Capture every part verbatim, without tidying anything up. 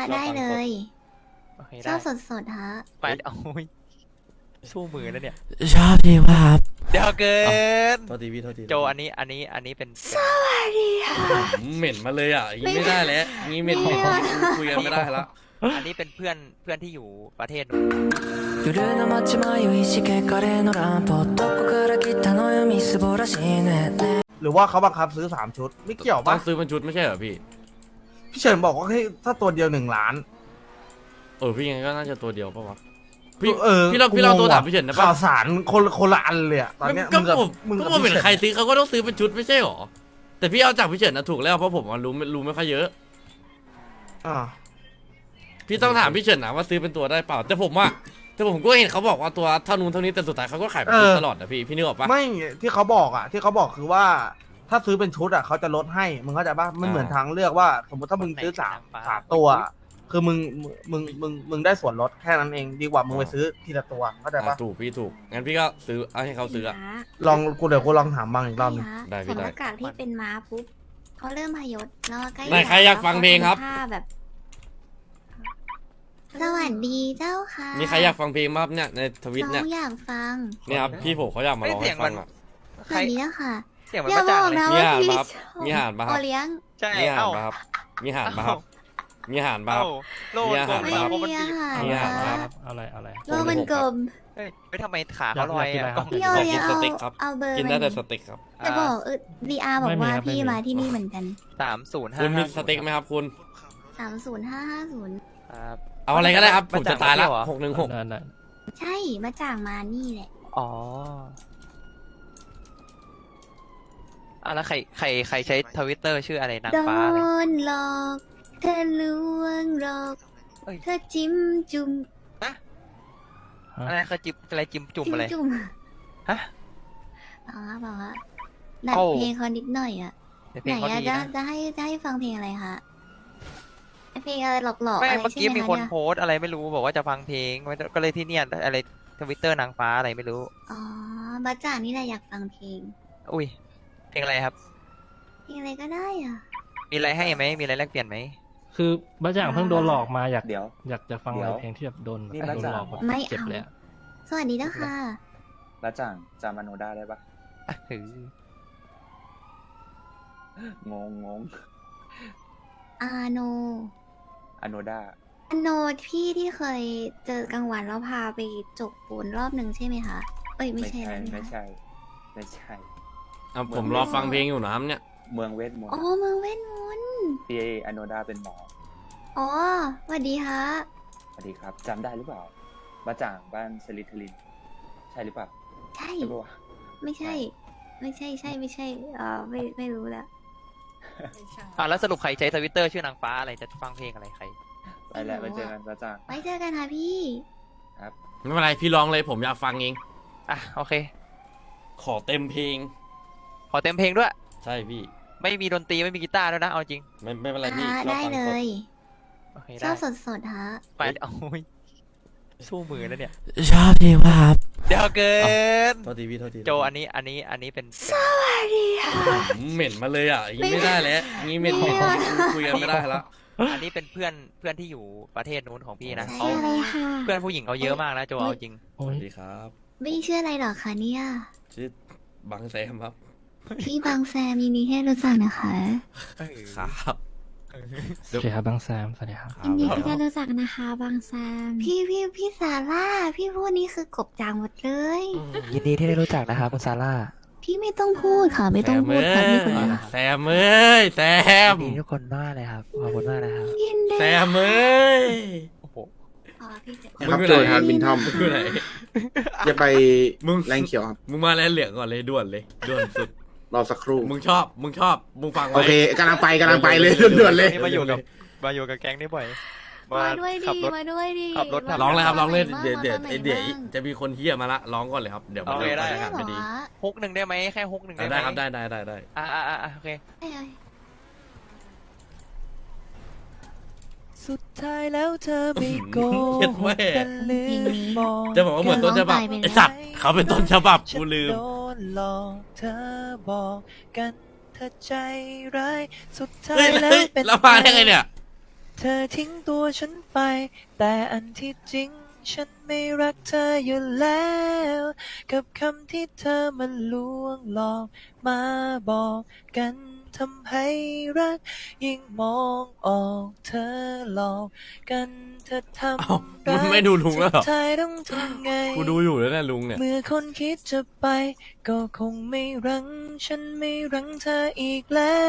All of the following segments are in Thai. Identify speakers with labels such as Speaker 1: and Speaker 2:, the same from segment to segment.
Speaker 1: ได้เลย
Speaker 2: โอเค
Speaker 1: ช
Speaker 2: ได้
Speaker 1: อบสดสดๆฮะ
Speaker 2: ไปโอ้ยสู้มือแล้วเนี่ย
Speaker 3: ชอบดีมากครับ
Speaker 2: เดี๋ยวเกิน
Speaker 4: โทษทีพี่โทษที
Speaker 2: โจอันนี้อันนี้อันนี้เป็น
Speaker 1: สวัสดีค่ะ
Speaker 4: เหม็นมาเลยอ่ะอย่างงี้ไม่ได้แล้วงี้เหม็นเหม็นคุยกันไม่ได้ละ
Speaker 2: อันนี้เป็นเพื่อนเพื่อนที่อยู่ประเทศนู้น
Speaker 5: 夜の街迷いしけカレーのランプどこから来たのよみすぼらしいね
Speaker 6: หรือว่าเขาบังคับซื้อสามชุด ไม่เกี่ยว
Speaker 4: ต้อ
Speaker 6: ปะ
Speaker 4: งซื้อเป็นชุดไม่ใช่เหรอพี่
Speaker 6: พี่เฉินบอกว่าให้ถ้าตัวเดียวหนึ่งล้าน
Speaker 4: เออพี่ยังไงก็น่าจะตัวเดียวปะวะพี่
Speaker 6: เออ
Speaker 4: พี่ลองพี่ลองตัวถามพี่เฉินนะปะ
Speaker 6: ข่าวสารคนคนละอันเลยอะตอนเนี้ย
Speaker 4: ก็
Speaker 6: มึงกับ
Speaker 4: ผม
Speaker 6: มึง
Speaker 4: ก็
Speaker 6: กับ
Speaker 4: ผม
Speaker 6: พี่
Speaker 4: เห็น
Speaker 6: เฉิน
Speaker 4: ใครซื้อเขาก็ต้องซื้อเป็นชุดไม่ใช่หรอแต่พี่เอาจากพี่เฉินนะถูกแล้วเพราะผมรู้รู้ไม่ค่อยเยอะ
Speaker 6: อ่า
Speaker 4: พี่ต้องถามพี่เฉินนะว่าซื้อเป็นตัวได้เปล่าแต่ผมว่าแต่ผมก็เห็นเขาบอกว่าตัวเท่านู้นเท่านี้แต่สุดท้ายเขาก็ขายเป็นชุดตลอดนะพี่พี่นึกออกปะ
Speaker 6: ไม่ที่เขาบอกอะที่เขาบอกคือว่า ถ้าซื้อเป็นชุดอะเขาจะลดให้มึงเข้าใจปะมันเหมือนทางเลือกว่า สมมติถ้ามึงซื้อสามสามตัวอะคือมึงมึงมึงมึงได้ส่วนลดแค่นั้นเองดีกว่ามึงไปซื้อทีละตัวเข้าใจ
Speaker 4: อ่า
Speaker 6: ปะ
Speaker 4: ถูกพี่ถูกงั้นพี่ก็ซื้อเอาให้เขาซื้ออะ
Speaker 1: พี่ฮะ
Speaker 6: ลองกูเดี๋ยวกูลองถามบังอีกรอบหนึง
Speaker 1: พี่ฮะ
Speaker 4: ได้พี่
Speaker 1: ใส่ห
Speaker 4: ได้
Speaker 1: น้ากากที่เป็นม้าปุ๊บเขาเริ่มพยศแล้วใกล้
Speaker 4: ไหนใครอยากฟังเพลงครับ
Speaker 1: ท่าแบบ สวัสดีเจ้าค่ะ
Speaker 4: มีใครอยากฟังเพลงบ้างเนี่ยในทวิต
Speaker 1: น้
Speaker 4: เนี่ย
Speaker 1: องอยากฟัง
Speaker 4: เนี่ยครับพี่ผมเขาอยากมาร้องให้ฟังอ่ะ
Speaker 1: สวัสดีเจ้าค่ะ
Speaker 2: เสียงมัน
Speaker 1: อย่า
Speaker 2: ประ
Speaker 1: บ
Speaker 2: จัก
Speaker 1: อก
Speaker 2: ษ์เลย
Speaker 1: นะ
Speaker 4: มี
Speaker 1: ว่า
Speaker 4: อาหาร
Speaker 1: พี่
Speaker 4: ปะครับ
Speaker 1: ชอบ
Speaker 4: มีอาหารปะครับ
Speaker 1: โอเลี้ยง
Speaker 2: ใช่
Speaker 4: มีอาหาร
Speaker 2: เอ้า
Speaker 4: ปะครับมีอาหารปะครับมีอาหารปะค
Speaker 2: เอ้า
Speaker 4: รับ
Speaker 2: โลด
Speaker 4: มีอาหาร
Speaker 2: โก
Speaker 1: ไม่
Speaker 2: ง
Speaker 4: ปะครับ
Speaker 2: เพราะมัน
Speaker 1: มี
Speaker 2: บี
Speaker 1: อา
Speaker 2: บ
Speaker 1: หาร
Speaker 4: มีอาหาร
Speaker 1: ค่ะ
Speaker 4: ครับ
Speaker 7: อะไรอะไร
Speaker 1: โลมันกลม
Speaker 2: เฮ้ยไม่ทำไมขาเขาลอย
Speaker 7: อยาก
Speaker 2: อ่ะ
Speaker 7: กินอะไรครับ
Speaker 2: กล้อง
Speaker 1: พี่โอ
Speaker 4: อยากกิ
Speaker 1: เลี้ย
Speaker 4: น
Speaker 1: ง
Speaker 4: ส
Speaker 1: เอา
Speaker 4: เต็กครับ
Speaker 1: เอาเบอร์
Speaker 4: กินได้แต่สเต็กครับ
Speaker 1: จะบอกเออดีอาร์บอกว่า
Speaker 7: ไม่มีครับ
Speaker 1: พี่
Speaker 7: ไม่มี
Speaker 1: มาที่นี่เหมือนกัน
Speaker 2: สามศูนย์ห้า
Speaker 4: คุณมีสเต็กไหมครับคุณ
Speaker 1: สามศูนย์ห้าห้าศูนย์
Speaker 2: ครับ
Speaker 4: เอาอะไรก็ได้ครับผม
Speaker 2: มาจาก
Speaker 4: จะตายแล้ว
Speaker 2: มาเที่ยวเหรอ
Speaker 4: หกหนึ่งหก
Speaker 7: นั่นน่ะ
Speaker 1: ใช่มาจากมานี่แหละ
Speaker 2: อ๋ออ่ะแล้วใครใครใครใช้ทวิตเตอร์ชื่ออะไรนาง
Speaker 1: โด
Speaker 2: ฟ้าอะไร
Speaker 1: นหลอกเธอลวงหลอก
Speaker 2: เอ้ย
Speaker 1: เธอจิ้มจุ่ม
Speaker 2: อะไรเขาจิบอะไรจิมจุ่มอะไร
Speaker 1: จุ่ม
Speaker 2: ฮะ
Speaker 1: บอกว่าบอกว่าดัด
Speaker 2: เอ้า
Speaker 1: เพลงเขานิดหน่อยอ่ะ
Speaker 2: แต่เพ
Speaker 1: ไห
Speaker 2: ล
Speaker 1: น
Speaker 2: งเขา
Speaker 1: อะ
Speaker 2: ดี
Speaker 1: จะ
Speaker 2: นะ
Speaker 1: จะให้จะให้ฟังเพลงอะไรคะเพลงอะไรหลอกๆ
Speaker 2: ไม่
Speaker 1: อะไร
Speaker 2: เมื่อ
Speaker 1: ใช่
Speaker 2: กี้
Speaker 1: ไหม
Speaker 2: มี
Speaker 1: คะ
Speaker 2: คน
Speaker 1: เนี่ย
Speaker 2: โพสต์อะไรไม่รู้บอกว่าจะฟังเพลงก็เลยที่เนี่ยอะไรทวิตเตอร์นางฟ้าอะไรไม่รู้
Speaker 1: อ๋อบัจจางนี่แหละอยากฟังเพลง
Speaker 2: อุ้ยเพลงอะไรครับ
Speaker 1: เพลงอะไรก็ได้อ่ะ
Speaker 2: มีอะไรให้ไหมมีอะไรแลกเปลี่ยนไหม
Speaker 7: คือบ้าจ่างเพิ่งโดนหลอกมาอยาก
Speaker 8: เดี๋ยว
Speaker 7: อยากจะฟัง
Speaker 8: เดี๋
Speaker 7: อะไร
Speaker 8: ยว
Speaker 7: เพลงที่แบบโดน
Speaker 8: นี่
Speaker 7: โดน
Speaker 8: บ้าจ่าง
Speaker 7: หลอกแบบ
Speaker 1: ไม่
Speaker 7: เจ็บ
Speaker 1: เอา
Speaker 7: เลยอะ
Speaker 1: สวัสดีเจ้าค่ะ
Speaker 8: แล้วจ่างจำอโนด้าได้ปะ
Speaker 2: อ่ะถือง
Speaker 8: งงง
Speaker 1: อาโน
Speaker 8: อโนด้า
Speaker 1: อาโนพี่ที่เคยเจอกลางวันแล้วพาไปจกปูนรอบหนึ่งใช่ไหมคะเอ้ยไม่
Speaker 8: ไม่
Speaker 1: ใช่
Speaker 8: ใช่
Speaker 1: แล้ว
Speaker 8: ไม่
Speaker 1: นะ
Speaker 8: ใช่ ไม่ใช่
Speaker 4: อ่ะผมรอฟังเพลงอยู่นะครับเนี่ย
Speaker 8: เมืองเวทมน
Speaker 1: อ๋อ
Speaker 8: ต์
Speaker 1: เมืองเวทมนต์
Speaker 8: ที่อโนด้าเป็นหมอ
Speaker 1: อ๋อสวัสดีฮะ
Speaker 8: สวัสดีครับจำได้หรือเปล่าบ้าจ่างบ้านสลิทลิน ใช่หรือเปล่า
Speaker 1: ใช่
Speaker 8: ใช่ปะวะ
Speaker 1: ไม่ใช่ ไม่ใช่ใช่ไม่ใช่เออไม่ไม่รู้แล้ว
Speaker 2: อ่ะแล้วสรุปใครใช้ทวิตเตอร์ชื่อนางฟ้าอะไรจะฟังเพลงอะไรใคร
Speaker 8: ไปแล้วไปเจอกันบ้าจ่าง
Speaker 1: ไว้เจอกันค่ะพี่
Speaker 8: ครับ
Speaker 4: ไม่เป็นไรพี่ร้องเลยผมอยากฟังเอง
Speaker 2: อ่ะโอเค
Speaker 4: ขอเต็มเพลง
Speaker 2: ขอเต็มเพลงด้วย
Speaker 4: ใช่พี่
Speaker 2: ไม่มีดนตรีไม่มีกีตาร์ด้วยนะเอาจริง
Speaker 4: ไม่ไม่เป็นไรพี่
Speaker 1: อ่า
Speaker 4: เรา
Speaker 1: ได้
Speaker 4: ฟัง
Speaker 1: เล
Speaker 4: สด
Speaker 1: ย
Speaker 2: โอเค
Speaker 1: ช
Speaker 2: ได้
Speaker 1: อบสดสดๆฮะ
Speaker 2: ไปโอ้ยสู้มือแล้วเนี่ย
Speaker 3: ชอบดีมากครับ
Speaker 2: เดี๋ยวเกิน
Speaker 4: โทษทีพี่โทษที
Speaker 2: โจอันนี้อันนี้อันนี้เป็นเป็น
Speaker 1: สวัสดีค่ะ
Speaker 4: เหม็นมาเลยอ่ะอย่างงี้ไม่ได้แล้วงี้เหม็นเหม็นคุยกันไม่ได้ละ
Speaker 2: อันนี้เป็นเพื่อนเพื่อนที่อยู่ประเทศนู้นของพี่นะ
Speaker 1: ชื่
Speaker 2: เขา
Speaker 1: ออะไรค่ะ
Speaker 2: เพื่อนผู้หญิงเขาเยอะมากนะโจเอาจริง
Speaker 7: โอ้
Speaker 4: ส
Speaker 7: ย
Speaker 4: วัสดีครับ
Speaker 1: ไม่ชื่ออะไรหรอคะเนี่ย
Speaker 4: ชื่อบังแซมครับ
Speaker 1: พี่บางแซมยินดีที่ได้รู้จักนะคะ
Speaker 4: ครับ
Speaker 7: สวัสดีครับบางแซมสวัสดีครับ
Speaker 1: ยินดีที่ได้รู้จักนะคะบางแซม พี่พี่พี่ซาร่าพี่พูดนี่คือกบจางหมดเลย
Speaker 2: ยินดีที่ได้รู้จักนะครับคุณซาร่า
Speaker 1: พี่ไม่ต้องพูดค่ะไม่ต้องพูดค่ะพี่คนเดียว
Speaker 4: แซมเอ้ยแซม
Speaker 2: ยินดีทุกคนมากเลยครับขอบคุณมากนะครับ
Speaker 1: ยินดี
Speaker 4: แซมเอ้ย
Speaker 2: โอ้โห
Speaker 1: อ๋อพี่เจ็บ
Speaker 4: มึงอยู่ไหนวินทอมมึงอยู่ไหน
Speaker 9: จะไป
Speaker 4: มึง
Speaker 9: แรงเขียวครับ
Speaker 4: มึงมาแลนเหลืองก่อนเลยด่วนเลยด่วนสุด
Speaker 9: รอสักครู่
Speaker 4: มึงชอบมึงชอบมึงฟัง
Speaker 9: โอ
Speaker 4: ไว้
Speaker 9: เคกำลังไปกำลังไปเลยด่วนๆเลย
Speaker 2: นี่มาอยู่กับมาอยู่กับแก๊งนี่บ่อย
Speaker 1: มาด้วย
Speaker 2: ขั
Speaker 1: ดี
Speaker 2: บรถ
Speaker 1: มาด้วยดี
Speaker 2: ขับรถ
Speaker 4: ร้องเลยครับร้องเลย
Speaker 1: มา
Speaker 4: เดี๋ยวเดี๋ยว
Speaker 1: มา
Speaker 4: ไอเดี๋ยว
Speaker 1: บ้าง
Speaker 4: จะมีคนเฮียมาละร้องก่อนเลยครับเดี๋ยวมัน
Speaker 2: โอเคได้
Speaker 4: จะ
Speaker 1: ได้
Speaker 4: ไม่
Speaker 1: เหร
Speaker 4: ดี
Speaker 1: อ
Speaker 2: ฮุกหนึ่งได้ไหมแค่ฮุกหนึ่งได้ไหม
Speaker 4: ได้ครับได้ได้ได้ได้
Speaker 2: อ่าอ่าอ่าโอเค
Speaker 1: เอ้ย
Speaker 5: สุดท้ายแล้วเธอไม่โก
Speaker 4: เฮ็ด
Speaker 5: ห
Speaker 4: แม่
Speaker 5: กกันลืมมอง
Speaker 4: จะบอกว่าเหมือนต้นฉบับไอสัตว์เขาเป็นต้นฉบับกูลืม
Speaker 5: ฉันโดนหลอกเธอบอกกันเธอใจร้ายสุดท้า
Speaker 4: เฮ้
Speaker 5: ย
Speaker 4: ย
Speaker 5: แล้
Speaker 4: เฮ้
Speaker 5: วย เป็น
Speaker 4: แล้วมาได้ไงเนี่ย
Speaker 2: เธอทิ้งตัวฉันไป แต่อันที่จริงฉันไม่รักเธออยู่แล้ว กับคำที่เธอมันลวงหลอกมาบอกกันทำให้รัก ยิ่งมองออกเธอหลอกกันเธอท
Speaker 4: เอ้า
Speaker 2: ำ
Speaker 4: มึงไม่ดูลุงแล้วเหรอ
Speaker 2: สุดท้ายต้องทำไง
Speaker 4: กูดูอยู่แล้วเนี่ยลุงเนี่ย
Speaker 2: เมื่อคนคิดจะไป ก็คงไม่รั้งฉันไม่รั้งเธออีกแล้ว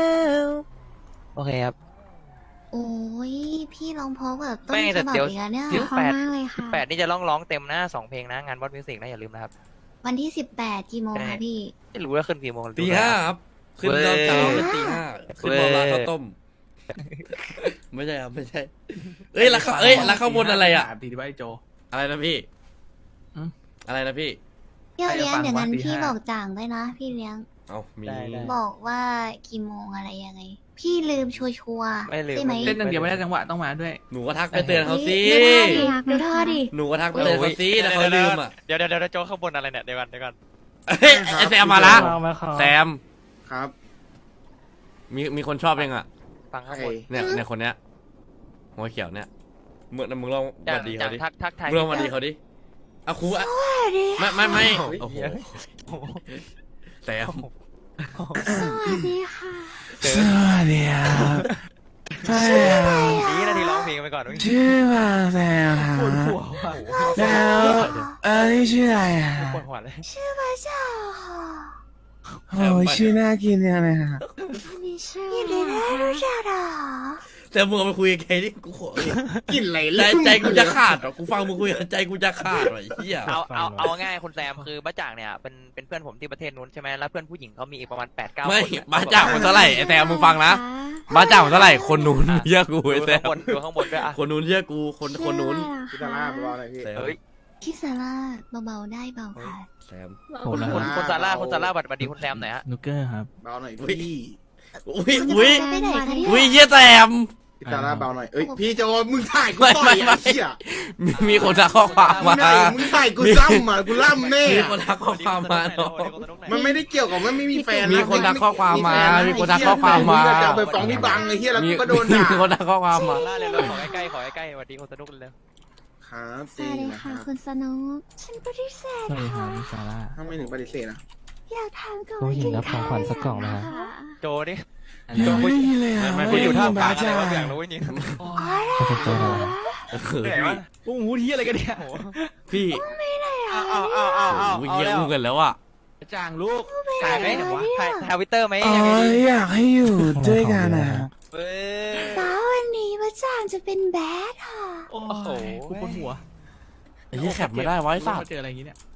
Speaker 2: โอเคครับ
Speaker 1: โอ้ยพี่ร้องเพราะกับต้น
Speaker 2: ไม่
Speaker 1: ฉ
Speaker 2: แต่
Speaker 1: บับ
Speaker 2: เดี๋ยว
Speaker 1: อีกแล้วเนี่ย
Speaker 2: สิบ
Speaker 1: เพราะ
Speaker 2: แปด
Speaker 1: มากเลย
Speaker 2: สิบ
Speaker 1: ค่ะ
Speaker 2: แปดนี่จะร้องร้องเต็มนะสองเพลงนะ งานบอสมิวสิกนะอย่าลืมนะครับ
Speaker 1: วันที่สิบแปดกี่โมง
Speaker 2: ใช่
Speaker 1: คะพี่
Speaker 2: ไม่รู้ว่าขึ้นกี่โมง
Speaker 4: ตีห้าครับขึ้นตอนเช้าเป็นตีห้าขึ้นมาร้านข้าวต้ม ไม่ใช่ครับไม่ใช่ เอ้ยแล้วเขาเอ้ยแล้วข้างบนอะไรอ่ะ
Speaker 10: ตีที่ว่าไอโจ
Speaker 4: อะไรนะพี่
Speaker 10: อืม
Speaker 4: อะไรนะพี่
Speaker 1: เดี๋ยวเลี้ยง
Speaker 10: ใครจะฟัง
Speaker 1: เดี๋ยวงั้น
Speaker 10: วันที่
Speaker 1: พี่
Speaker 10: ห้า
Speaker 1: บอกจ่างด้วยนะ พี่เลี้ยง
Speaker 4: เอามี
Speaker 2: ได้ได้
Speaker 1: บอกว่ากี่โมงอะไรยังไง พี่ลืมชัวร์ๆ
Speaker 2: ไม่ลืม
Speaker 1: ใช่ไหม
Speaker 10: เล่นอย่างเดียวไม่ได้จังหวะต้องมาด้วย
Speaker 4: หนูก็ทักไปเตือนเขาสิ
Speaker 1: ดูท่าดิดูท่าดิ
Speaker 4: หนูก็ทักไปเตือนเขาสิแต่เขาลืมอ่ะ
Speaker 2: เดี๋ยวเดี๋ยวเดี๋ยวโจข้างบนอะไรเนี่ยเดี๋ยวก่อนเดี๋ยวก่อน
Speaker 4: เอ้ยไอแซมมาละ
Speaker 7: มามาครับ
Speaker 4: แซม
Speaker 9: ครับ
Speaker 4: มีมีคนชอบยังอ่ะ
Speaker 2: ฟังข้าง
Speaker 9: ใคร
Speaker 2: บน
Speaker 4: เนี่ยเนี่ยคนเนี้ยหัวเขียวเนี่ยมึงมึงลองส
Speaker 2: จา
Speaker 4: วั
Speaker 2: ก
Speaker 4: สดี
Speaker 2: จา
Speaker 4: เขา
Speaker 2: ก
Speaker 4: ดิ
Speaker 2: ทักทักทาย
Speaker 4: มึงลองสวัสดีเขาดิเอาครูอะ
Speaker 1: สวัสดี
Speaker 4: ไม่ไม่ไม่
Speaker 2: โอ้
Speaker 4: โอ้โห
Speaker 2: ย
Speaker 4: แซม
Speaker 1: สวัสดีค่ะ
Speaker 3: สวัสดีครับใช่ครับ
Speaker 2: นี่นาทีร้องเพลงไปก่อนเมื่อกี้
Speaker 3: ชื่อมาแซมครับแล้วเอันนี้ชื่ออะไรอ่ะ
Speaker 2: ปวดหัวเลย
Speaker 1: ชื่อพระเจ้าค่ะ
Speaker 3: โอ้ยชื่อน่ากินยังเลยครับ
Speaker 1: อันนี้ชื่อยินดีได้รู้จักเหรอ
Speaker 4: แต่มึงเอาไปคุยกับใครดิกูขอ
Speaker 9: กินอะไร
Speaker 4: ใจใจกูจะขาดเหรอกูฟังมึงคุยกับใจกูจะขาดเหรอไอ้เหี้ย
Speaker 2: เอาเอาเอาง่ายคุณแซมคือบ้าจ่างเนี่ยเป็นเป็นเพื่อนผมที่ประเทศนู้นใช่ไหมแล้วเพื่อนผู้หญิงเขามีอีกประมาณแปดเก้าคน
Speaker 4: ไม่
Speaker 2: เนี่ย
Speaker 4: บ้าจ่างมันเท่าไหร่ไอ้แซมมึงฟังนะบ้าจ่างมันเท่าไหร่คนนู้นเชื่อกู
Speaker 2: ดู
Speaker 4: ไอ้แซ
Speaker 2: ข้าง
Speaker 4: ม
Speaker 2: บนดูข้างบนด้วยอ่ะ
Speaker 4: คนนู้นเชื่อกูคนคนนู้น
Speaker 9: พิซซ่าเบาๆหน่อยพี่
Speaker 4: แซม
Speaker 2: เฮ้ย
Speaker 1: พี่ซาร่าเบาๆได้เบาค่ะ
Speaker 4: แซม
Speaker 7: ผมนะค
Speaker 2: คุ
Speaker 7: รับ
Speaker 2: ณคุณซาร่าคุณซาร่าบัดบัดดีคุณแซมหน่อยฮะ
Speaker 7: นุกเกอร์ครับ
Speaker 9: เบาหน่อย
Speaker 4: อุ้ย
Speaker 9: พี่
Speaker 4: อุ้ยอุ้ย
Speaker 1: ไปไหนคะเนี่ย
Speaker 4: อุ้ยเหี้ยแซม
Speaker 9: พิซซ่าเบาหน่อยเอ้ยพี่โจมึงถ่ายกู
Speaker 4: ไม่
Speaker 9: ต่อ
Speaker 4: ไม่
Speaker 9: ย
Speaker 4: ไม่
Speaker 9: อ่ะเชี่ย
Speaker 4: มีมีคนทักข้อความ
Speaker 9: มึ
Speaker 4: มาง
Speaker 9: ไหนมึงถ่ายกูซ้ำอ่ะกูล่ำแน่
Speaker 4: มี
Speaker 9: อะ
Speaker 4: คนทักข้อความมาเนาะ
Speaker 9: มันไม่ได้เกี่ยวกับว่าไม่มีแฟน
Speaker 4: มีคนทักข้อความมามีคนทักข้อความมา
Speaker 9: ไเหี้ยจะเอาไปฟ้องพี่บังไอ้เหี้ยแล้ว
Speaker 4: มี
Speaker 9: กูก็โดนด่า
Speaker 4: มีคนทักข้อความมา
Speaker 2: ซาร่าเร็วๆขอใกล้ๆขอใกล้ๆสวัสดีคนสนุกเร็ว
Speaker 9: ครับ
Speaker 1: สวัสดีค่ะคุณสนุกฉันปฏิเสธ
Speaker 7: สวัสดีครั
Speaker 1: ค่ะ
Speaker 7: บพี่ซาร่า
Speaker 9: ทำไมถึงปฏิเสธนะ
Speaker 1: อยากถามก่อน
Speaker 7: ผู้หญิงรับของขวัญสักกล่องไหมครับ
Speaker 2: ๆโจนี่
Speaker 3: ยังไม่มีเลยอ่ะ
Speaker 2: คุณอยู่ท่ามกลาง
Speaker 3: บ้
Speaker 2: อะไร
Speaker 3: จั
Speaker 2: วะ
Speaker 3: ง
Speaker 2: อยากรู้จริง
Speaker 7: ขอบคุณครับ
Speaker 2: เหนื่อย วะ
Speaker 10: โอ้โหที่อะไรกันเนี่ย
Speaker 4: พี่
Speaker 2: เอาเอาเอาเอาเอา
Speaker 4: โอ้ยเยี่ยมกันแล้วอ่ะ
Speaker 10: จางลูก
Speaker 2: ถ่ายไหมถ่ายทวิตเตอร์ไหม
Speaker 3: อ๋อ
Speaker 2: ยังไงดี
Speaker 3: อยากให้อยู่ด้วยกันอ่ะ
Speaker 2: เว้ย
Speaker 1: ฟ้าวันนี้พระจางจะเป็นแบดค่ะ
Speaker 10: โอ้
Speaker 2: โอ้โห
Speaker 10: ยกูปวดหัว
Speaker 4: ไอ้เหี้ยแคปไม่ได้ไวะไอ้สัตว์
Speaker 10: เจออะไรอย่างงี้เนี่ย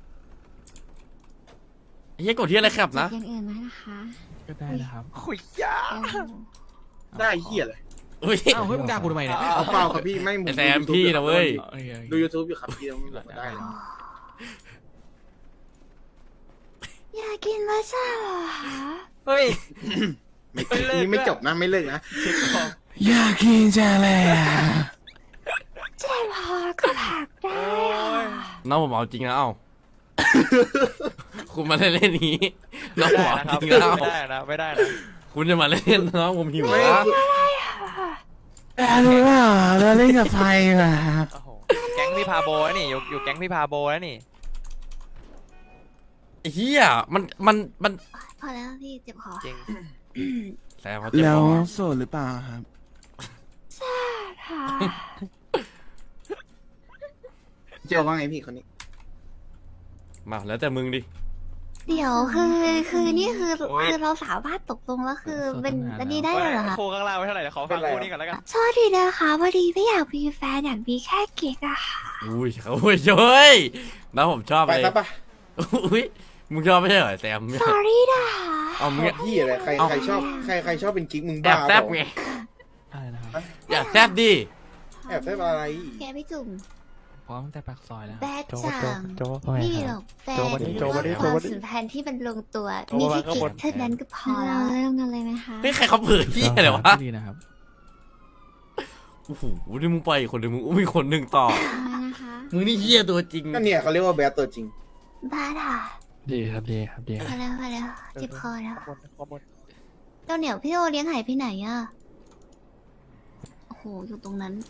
Speaker 4: ไอ้เหี้ยกดที่อะไรแคปนะ
Speaker 1: จากอย่างอื่นไหมนะคะ
Speaker 7: ก็ได้นะครับ
Speaker 2: ขุยยา
Speaker 1: โอ้โห
Speaker 9: ได้เหี้ยเลย
Speaker 4: อุ้ย
Speaker 10: อ้าวเฮ้ยมึงด่ากูทำไมเนี่ย
Speaker 9: เอาเปล่าครับพี่ไม่
Speaker 4: ไอ้แซมพี่นะเว้ย
Speaker 10: โอเคโอเค
Speaker 9: ดู YouTube อยู่ครับพี่ต้องบอกว่าได้นะ
Speaker 1: อยากกินพระจางเหรอคะ
Speaker 2: เฮ้ย
Speaker 9: ไม่นี่ไม่จบนะไม่เลิกนะ
Speaker 3: อยากกินจังเลยอ่ะ
Speaker 1: เจ็บคอก็ผักได้ค่ะ
Speaker 4: น้องผมเอาจริงนะเอ้า คุณมาเล่นเล่นนี้น้อง
Speaker 2: ไม่
Speaker 4: ผม
Speaker 2: ได้
Speaker 4: เอา
Speaker 2: นะครับ
Speaker 4: จริง
Speaker 2: ไม่
Speaker 4: แล้ว
Speaker 2: ได้นะไม่ได้นะ
Speaker 4: คุณจะมาเล่นน้องผมหิว
Speaker 9: ไม่
Speaker 4: นะ
Speaker 3: แต่รู้เปล่าเราเล่นกับไฟอ่ะ
Speaker 2: โอ้โหแก๊งพี่พาโบแล้วนี่อยู่อยู่แก๊งพี่พาโบแล้วนี่
Speaker 4: ไอ้เหี้ยมันมันมัน
Speaker 1: พอแล้วพี่เจ็บคอ
Speaker 2: จริง
Speaker 4: แซมเขาเจ็บ
Speaker 3: แล้ว
Speaker 4: คอ
Speaker 3: โสดหรือเปล่าครับ
Speaker 1: ค่ะ
Speaker 9: เจอว่าไงพี่คนนี้
Speaker 4: มาแล้วแต่มึงดิ
Speaker 1: เดี๋ยวคือคือนี่คือคือเราสามารถตกลงแล้วคือเป็นอันนี้ได้เลยเหรอคะ
Speaker 2: โคข้างล่างไว้เท่าไหร่เดี๋ยวขอฟังคู่นี้ก่อนแล้วกัน
Speaker 1: โทษทีนะคะพอดีไม่อยากมีแฟนอยากมีแค่กิ๊กอะค่ะ
Speaker 4: อุ้ยเขาอุ้ยเฮ้ยน้องผมชอบ
Speaker 9: ไป
Speaker 4: เลย
Speaker 9: ซะปะ
Speaker 4: อุ้ยมึงชอบไม่ใช่เหรอแซม
Speaker 1: sorry นะคะ
Speaker 4: เอามึง
Speaker 9: พี่อะไรใครใครชอบใครใครชอบเป็นกิ๊กมึง
Speaker 4: แอ
Speaker 9: บ้า
Speaker 4: บ
Speaker 9: เป
Speaker 4: แซ
Speaker 9: ล่า
Speaker 4: บไง
Speaker 7: อะไรนะครับ
Speaker 4: อยากแซบดิ
Speaker 9: แอบแซบอะไร
Speaker 1: แกไม่จุ่ม
Speaker 7: พร้อมแต่ปากซอยแล้ว
Speaker 1: แบดจัง
Speaker 2: โจ
Speaker 1: ไม่มีหรอกแฟน
Speaker 2: โจวันนี้โจวันนี้
Speaker 1: ว่า
Speaker 2: โจ
Speaker 1: ความ
Speaker 2: วันนี้
Speaker 1: สัมพันธ์ที่มันลงตัว
Speaker 2: โจ
Speaker 1: มี
Speaker 2: วัน
Speaker 1: แค่
Speaker 2: ข้าง
Speaker 1: กิ๊
Speaker 2: บ
Speaker 1: ก
Speaker 2: น
Speaker 1: เท่านั้นก็พอแล้วเรื่องกันเลยไหมคะ
Speaker 4: เฮ้ยใครเขาเผยที่อะไรวะ
Speaker 7: ดีนะครับ
Speaker 4: โอ้โหนี่มึงไปอีกคนหนึ่งมึงอุ้มอีกคนหนึ่งต่อ
Speaker 1: อะไรนะคะ
Speaker 4: มึงนี่เหี้ยตัวจริง
Speaker 9: ก็เนี่ยเขาเรียกว่าแบดตัวจริง
Speaker 1: บ้าค่ะ
Speaker 7: ดีครับดีครับดีค
Speaker 1: พ
Speaker 7: รั
Speaker 1: อบ แล้วพอแล้วเจ็บคอแล้ว
Speaker 2: ข้างบนข้างบน
Speaker 1: เจ้าเหนียวพี่โอเลี้ยงหายไปไหนอะโอ้โหโหอยู่ตรงนั้น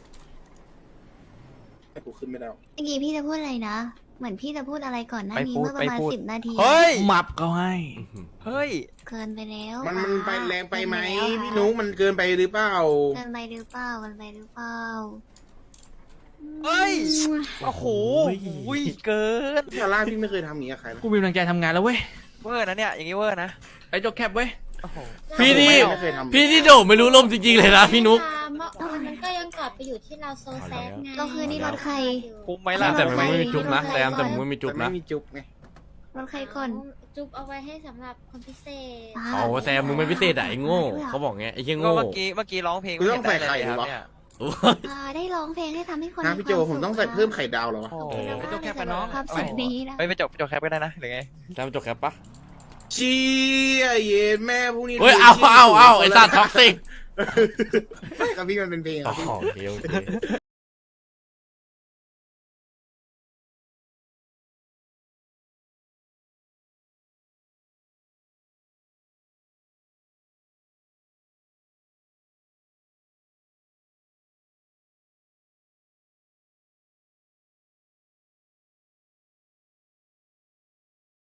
Speaker 9: กูขึ้นไม่ได้
Speaker 1: เมื่อกี้พี่จะพูดอะไรนะ เหมือนพี่จะพูดอะไรก่อนหน้านี้
Speaker 2: ไม่พูด
Speaker 1: เมื่อประมาณ
Speaker 2: ไม่พูด
Speaker 1: สิบนาที
Speaker 2: เฮ้ย
Speaker 3: มับเขาให้
Speaker 2: เฮ้ย
Speaker 1: เกินไปแล้ว
Speaker 9: มัน
Speaker 1: ค่ะ
Speaker 9: มันไปแรงไปไหม
Speaker 1: เกินแล้ว
Speaker 9: พี่
Speaker 1: ค่ะ
Speaker 9: นุ๊กมันเกินไปหรือเปล่า
Speaker 1: เกินไปหรือเปล่าเกินไปหรือเปล่า
Speaker 2: เฮ้ย โอ้โหอุ้ยเกิน
Speaker 9: ซาร่าพี่ไม่เคยทำอย่างนี้กับใครนะ
Speaker 10: กูมีกำลังใจทำงานแล้วเว้ย
Speaker 2: เวอร์นะเนี่ยอย่างงี้เวอร์นะ
Speaker 10: ไอ้จกแคปเว้ย
Speaker 2: โอ้โห
Speaker 4: พี่นี่
Speaker 9: ไม่เคยทำ
Speaker 4: พี่ที่โดไม่รู้ลมจริงๆเลยนะพี่นุ๊ก
Speaker 11: มันก็ยังกลับไปอยู่ที่เราโซแซดไง
Speaker 1: เราคือนี่รถใคร
Speaker 2: คุ้มไหมล่ะ
Speaker 4: แต่มันไม่มีจุ๊บนะแต่แต่มันไม่มีจุ๊บ
Speaker 9: แต่
Speaker 4: นะ
Speaker 9: ไม่มีจุ๊บไง
Speaker 1: รถใครก่อน
Speaker 11: จุ๊บเอาไว้ให้สำหรับคนพิเศษ
Speaker 1: บ้า
Speaker 4: เอาแซมมึงไม่พิเศษอะไอ้โง่เขาบอกไงไอ้เหี้ย
Speaker 2: ก็
Speaker 4: โง่
Speaker 2: เมื่อกี้เมื่อกี้ร้องเพลง
Speaker 9: กูต้องใส่ไข่
Speaker 2: ค
Speaker 9: เหร
Speaker 2: รั
Speaker 9: อบ วะ
Speaker 2: เนี่ย
Speaker 4: โอ้ย
Speaker 1: อ่าได้ร้องเพลงให้ทำให้คน
Speaker 9: นะ
Speaker 1: มี
Speaker 9: พี่โจ
Speaker 1: ควา
Speaker 9: ผมต้อง
Speaker 1: สุ
Speaker 9: ใส่
Speaker 1: ข
Speaker 9: เพิ่มไข่ดาวเหรอวะ
Speaker 2: โอ้
Speaker 1: ขอบคุณมาก
Speaker 10: ไอ้เจ้าแคปกันเนอะ
Speaker 1: ความสุขนี้นะ
Speaker 2: ไปไปจบจบแคปก็ได้นะหรือไง
Speaker 4: แซมจบแคปปะ
Speaker 9: เชี่ยเย็นแม่พรุ่งนี้
Speaker 4: เฮ้ยเอาเอาเอาไอ้สัตว์ท็อกซิก
Speaker 9: กับพี่มันเป็นเพลงค
Speaker 4: อ๋
Speaker 9: รับพี่
Speaker 4: อโอเคโอเค